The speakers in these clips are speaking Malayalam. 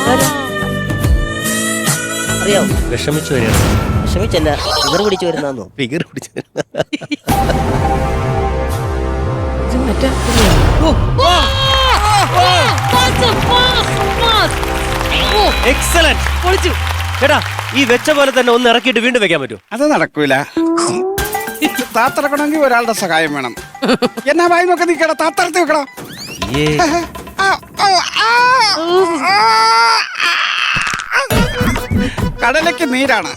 അറിയാവോ? വിഷമിച്ചു വരികയാണ്. വിഷമിച്ചല്ല, ഫിഗർ പിടിച്ചു വരുന്നോ? ഫിഗർ പിടിച്ചു. എക്സലന്റ്. പൊളിച്ചു ചേട്ടാ. ഈ വെച്ച പോലെ തന്നെ ഒന്ന് ഇറക്കിയിട്ട് വീണ്ടും വെക്കാൻ പറ്റുമോ? അത് നടക്കൂല. താത്തിറക്കണമെങ്കിൽ ഒരാളുടെ സഹായം വേണം. എന്നാ വായി നോക്കാൻ നിൽക്കട, താത്തറത്ത് വെക്കടാ. കടലയ്ക്ക് നീരാണ്.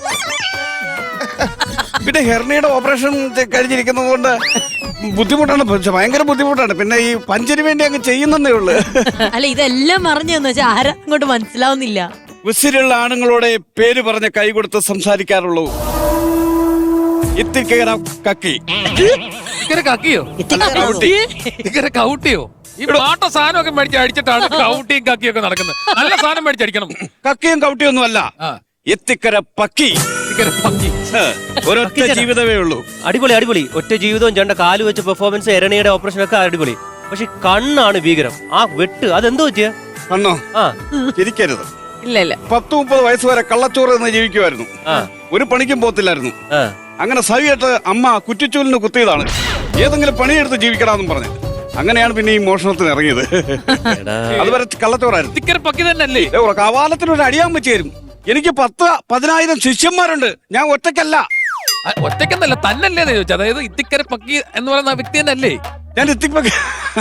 പിന്നെ ഹെർണിയുടെ ഓപ്പറേഷൻ കഴിഞ്ഞിരിക്കുന്നത് കൊണ്ട് ബുദ്ധിമുട്ടാണ്, ഭയങ്കര ബുദ്ധിമുട്ടാണ്. പിന്നെ ഈ പഞ്ചിന് വേണ്ടി അങ്ങ് ചെയ്യുന്നേ ഉള്ളു. അല്ല, ഇതെല്ലാം പറഞ്ഞെന്ന് വെച്ചാൽ ആരാ അങ്ങോട്ട് മനസ്സിലാവുന്നില്ല. ഉസിലുള്ള ആണുങ്ങളോടെ പേര് പറഞ്ഞ കൈ കൊടുത്ത് സംസാരിക്കാറുള്ളൂ. ഇത്തിക്കര കക്കി. കക്കിയോ? കൗട്ടിയോ? ഈ പാട്ട സാധനമൊക്കെ മേടിച്ച് അടിച്ചിട്ടാണ് കൗട്ടിയും കക്കിയും ഒക്കെ നടക്കുന്നത്. നല്ല സാധനം മേടിച്ചടിക്കണം. കക്കിയും കൗട്ടിയൊന്നും അല്ല, എത്തിക്കര പക്കി. ഒരൊറ്റ ജീവിതമേ ഉള്ളൂ. അടിപൊളി അടിപൊളി. ഒറ്റ ജീവിതവും ചേട്ടന്റെ കാല് വെച്ച് പെർഫോമൻസ്, എരണിയുടെ ഓപ്പറേഷൻ ഒക്കെ അടിപൊളി. പക്ഷെ കണ്ണാണ് ഭീകരം. ആ വെട്ട് അതെന്തോ പറ്റിയ കണ്ണോ? ചിരിക്കരുത്. ഇല്ല 10-30 വയസ്സ് വരെ കള്ളച്ചോറ് എന്ന് ജീവിക്കുമായിരുന്നു. ഒരു പണിക്കും പോത്തില്ലായിരുന്നു. അങ്ങനെ സവിയായിട്ട് അമ്മ കുറ്റിച്ചൂലിന് കുത്തിയതാണ്. ഏതെങ്കിലും പണിയെടുത്ത് ജീവിക്കണമെന്നും പറഞ്ഞു. അങ്ങനെയാണ് പിന്നെ ഈ മോഷണത്തിന് ഇറങ്ങിയത്. അതുവരെ കള്ളച്ചോറായിരുന്നു. കവാലത്തിനൊരു അടിയാൻ വെച്ച് തരും. എനിക്ക് 10,000 ശിഷ്യന്മാരുണ്ട്. ഞാൻ ഒറ്റയ്ക്കല്ല. ഒറ്റയ്ക്കെന്നല്ല, തന്നല്ലേ ചോദിച്ചു. അതായത് ഇത്തിക്കര പക്കി എന്ന് പറയുന്ന വ്യക്തി തന്നെയല്ലേ? ഞാൻ ഇത്തിക്കര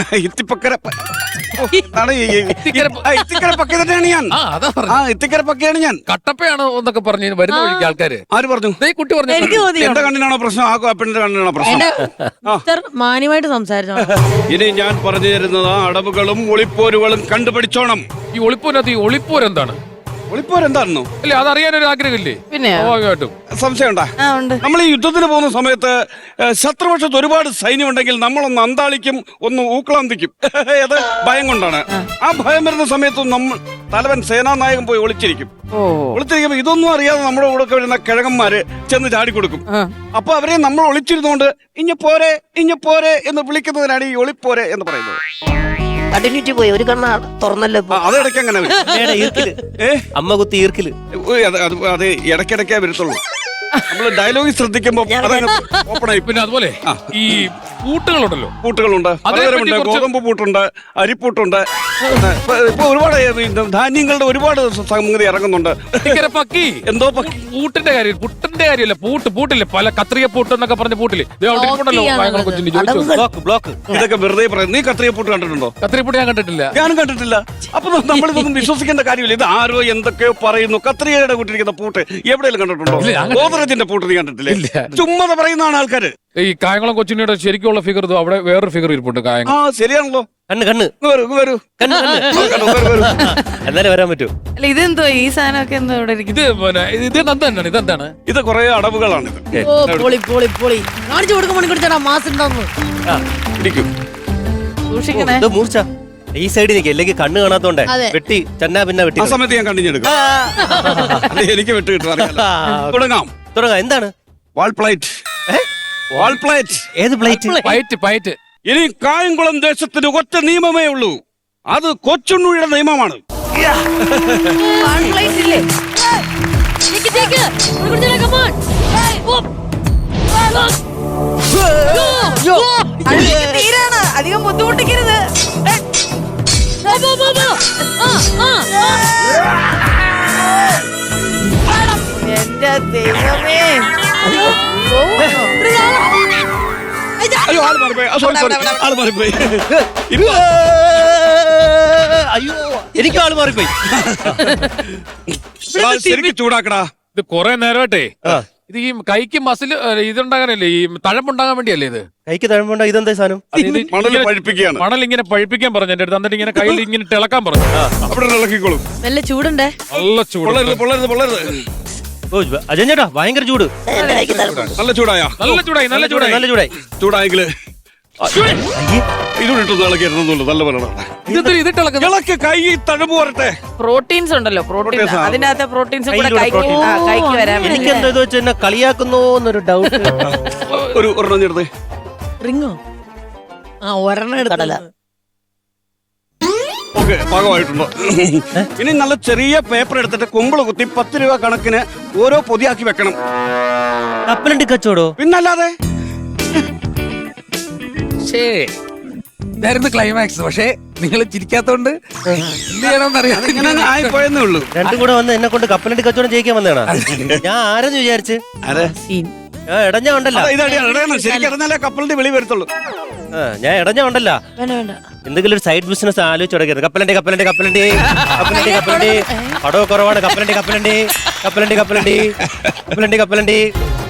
പക്കി തന്നെയാണ് ഞാൻ. ഇത്തിക്കര പക്കിയാണ് ഞാൻ. കട്ടപ്പയാണോ എന്നൊക്കെ പറഞ്ഞു വരുന്ന വഴിക്ക് ആൾക്കാര്. ആര് പറഞ്ഞു? കുട്ടി പറഞ്ഞു. എന്റെ കണ്ണിനാണോ പ്രശ്നം? ആ പെണ്ണിന്റെ കണ്ണിനാണോ പ്രശ്നം? മാന്യമായിട്ട് സംസാരിച്ചോ. ഇനി ഞാൻ പറഞ്ഞു തരുന്നത് അടവുകളും ഒളിപ്പോരുകളും കണ്ടുപിടിച്ചോണം. ഈ ഒളിപ്പോരത്, ഈ ഒളിപ്പോരെന്താണ്? ഒളിപ്പോരെന്താണെന്നോ? അല്ലേ, അതറിയാനൊരു ആഗ്രഹമില്ലേ? പിന്നെ സ്വാഭാവികമായിട്ടും സംശയം ഉണ്ടാ. നമ്മൾ ഈ യുദ്ധത്തിന് പോകുന്ന സമയത്ത് ശത്രുപക്ഷത്ത് ഒരുപാട് സൈന്യം ഉണ്ടെങ്കിൽ നമ്മളൊന്ന് അന്താളിക്കും, ഒന്ന് ഊക്കളാന്തിക്കും. അത് ഭയം കൊണ്ടാണ്. ആ ഭയം വരുന്ന സമയത്ത് നമ്മൾ തലവൻ സേനാനായകൻ പോയി ഒളിച്ചിരിക്കുമ്പോ ഇതൊന്നും അറിയാതെ നമ്മുടെ കൂടെ വരുന്ന കിഴങ്ങന്മാര് ചെന്ന് ചാടിക്കൊടുക്കും. അപ്പൊ അവരെ നമ്മൾ ഒളിച്ചിരുന്നോണ്ട് ഇഞ്ഞ പോരെ എന്ന് വിളിക്കുന്നതിനാണ് ഈ ഒളിപ്പോരെ എന്ന് പറയുന്നത്. കണ്ടിന്യൂറ്റി പോയി, ഒരു കണ്ണ തുറന്നല്ലോ. അതിടയ്ക്ക് അങ്ങനെ അമ്മ കുത്തി ഈർക്കില്. അത് ഇടയ്ക്കിടയ്ക്കേ വരത്തുള്ളൂ. നമ്മള് ഡയലോഗ് ശ്രദ്ധിക്കുമ്പോ ഓപ്പൺ ആയി. പിന്നെ അതുപോലെ ഈ പൂട്ടുകളുണ്ടല്ലോ, പൂട്ടുകളുണ്ട്. പലതരമുണ്ട്. ഗോതമ്പ് പൂട്ടുണ്ട്, അരിപ്പൂട്ടുണ്ട്. ഇപ്പൊ ഒരുപാട് ധാന്യങ്ങളുടെ ഒരുപാട് സംഗതി ഇറങ്ങുന്നുണ്ട്. പക്കി എന്തോ പക്കി പൂട്ടിന്റെ കാര്യം, പുട്ടിന്റെ കാര്യമല്ല, പൂട്ടില്ലേ, പല കത്രിക പൂട്ട് എന്നൊക്കെ പറഞ്ഞ പൂട്ടില് ബ്ലോക്ക്. ഇതൊക്കെ വെറുതെ പറയുന്നത്. നീ കത്രിക പൂട്ട് കണ്ടിട്ടുണ്ടോ? കത്രിക പൂട്ട് ഞാൻ കണ്ടിട്ടില്ല. ഞാനും കണ്ടിട്ടില്ല. അപ്പൊ നമ്മളിതൊന്നും വിശ്വസിക്കേണ്ട കാര്യമില്ല. ഇത് ആരോ എന്തൊക്കെയോ പറയുന്നു. കത്രികയുടെ കൂട്ടിരിക്കുന്ന പൂട്ട് എവിടെയെങ്കിലും കണ്ടിട്ടുണ്ടോ? ഗോദ്രജിന്റെ പൂട്ട് നീ കണ്ടിട്ടില്ലേ? ചുമ്മാ പറയുന്നതാണ് ആൾക്കാര്. ഈ കായംകുളം കൊച്ചിനിയുടെ ശരിക്കുള്ള ഫിഗർ അവിടെ വേറൊരു ഫിഗർ ഇരിപ്പുണ്ട്. കായംകുളം. ശരിയാണല്ലോ. കണ്ണ് എന്നാലേ വരാൻ പറ്റൂ. അല്ല, ഇതെന്തോ ഈ സാധനമൊക്കെ എന്തോ ഇവിടെ ഇതെന്താണ്? ഇത് കുറെ അടവുകളാണ്. കാണിച്ചു കൊടുക്കാൻ മണിക്കൂർ മാസം സൂക്ഷിക്കണേ. മൂർച്ച ഈ സൈഡിൽ നിൽക്കുക, അല്ലെങ്കിൽ കണ്ണ് കാണാത്തോണ്ടേ വെട്ടി ചെന്നാ പിന്നെ വെട്ടി. ആ സമയത്ത് ഞാൻ കണ്ടിഞ്ഞെടുക്കും. എനിക്ക് വെട്ട് കിട്ടും. തുടങ്ങാം. എന്താണ്? വാൾ പ്ലേറ്റ്. ഏത് പ്ലേറ്റ്? ഇനി കായംകുളം ദേശത്തിന് ഒറ്റ നിയമമേ ഉള്ളൂ. അത് കൊച്ചുണ്ണിയുടെ നിയമമാണ്. അധികം ബുദ്ധിമുട്ടിക്കരുത്. എന്റെ ദൈവമേ. അയ്യോ, ആള് മാറിപ്പോയി. അയ്യോ, എനിക്കും ആള് മാറിപ്പോയി. ശരിക്കും ചൂടാക്കടാ. ഇത് കൊറേ നേരമായിട്ടേ ഇത് ഈ കൈക്ക് മസിൽ ഇതുണ്ടാകാനല്ലേ, ഈ തഴമ്പുണ്ടാകാൻ വേണ്ടിയല്ലേ ഇത്? കൈക്ക് തഴമ്പുണ്ടാ. ഇതെന്താ സാധനം? മണൽ ഇങ്ങനെ പഴിപ്പിക്കാൻ പറഞ്ഞു എന്റെ അടുത്ത്. എന്നിട്ട് ഇങ്ങനെ കയ്യിൽ ഇങ്ങനെ ഇളക്കാൻ പറഞ്ഞു. അവിടെ ഇളക്കിക്കോളും. നല്ല ചൂടുണ്ടേ? നല്ല ചൂട്. പൊള്ളരുത്. അജയൻ ചേട്ടാ, ഭയങ്കര ചൂട്. നല്ല ചൂടായി. ചൂടായെങ്കില് ഇതുകൊണ്ടിട്ടൊന്നും ഇളക്കിയിരുന്നുള്ളൂ. നല്ല പറയണം. ഇളക്കി കൈ തഴമ്പ് വരട്ടെ. പ്രോട്ടീൻസ് ഉണ്ടല്ലോ, പ്രോട്ടീൻസ്. അതിനകത്ത് പ്രോട്ടീൻസ് കൂടെ കൈക്ക് വരാൻ. എനിക്ക് എന്താ ഇത് വെച്ച് എന്നെ കളിയാക്കുന്നോ എന്നൊരു ഡൗട്ട്. ഒരെണ്ണം ചേർത്ത് റിങ്ങോ? ഒരെണ്ണം എടുക്കടല. നമുക്ക് പാകമായിട്ടുണ്ടോ? ഇനി നല്ല ചെറിയ പേപ്പർ എടുത്തിട്ട് കുമ്പിള് കുത്തി 10 രൂപ കണക്കിന് ഓരോ പൊതിയാക്കി വെക്കണം. കപ്പലണ്ടി കച്ചവടോ? പിന്നല്ലാതെ ഇതായിരുന്നു ക്ലൈമാക്സ്. പക്ഷേ നിങ്ങൾ ചിരിക്കാത്തോണ്ട് എന്ത് ചെയ്യണമെന്നറിയാം. ഇങ്ങനെ ആയിപ്പോയെന്നേ ഉള്ളൂ. രണ്ടും കൂടെ വന്ന് എന്നെ കൊണ്ട് കപ്പലണ്ടി കച്ചവടം ചെയ്യിക്കാൻ വന്നതാണ്. ഞാൻ ആരെന്ന് വിചാരിച്ച് ഇടഞ്ഞ ഉണ്ടല്ലോ. ശരിക്കും അറിഞ്ഞാലേ കപ്പലിന്റെ വെളി വരത്തുള്ളൂ. ഞാൻ ഇടഞ്ഞ ഉണ്ടല്ല. വേണ്ട വേണ്ട. എന്തെങ്കിലും ഒരു സൈഡ് ബിസിനസ് ആലോചിച്ച് തുടങ്ങിയത്. കപ്പലണ്ടി കപ്പലണ്ടി കപ്പലണ്ടി കപ്പലണ്ടി കപ്പലണ്ടി പടവ് കുറവാണ്. കപ്പലണ്ടി കപ്പലണ്ടി കപ്പലണ്ടി കപ്പലണ്ടി കപ്പലണ്ടി കപ്പലണ്ടി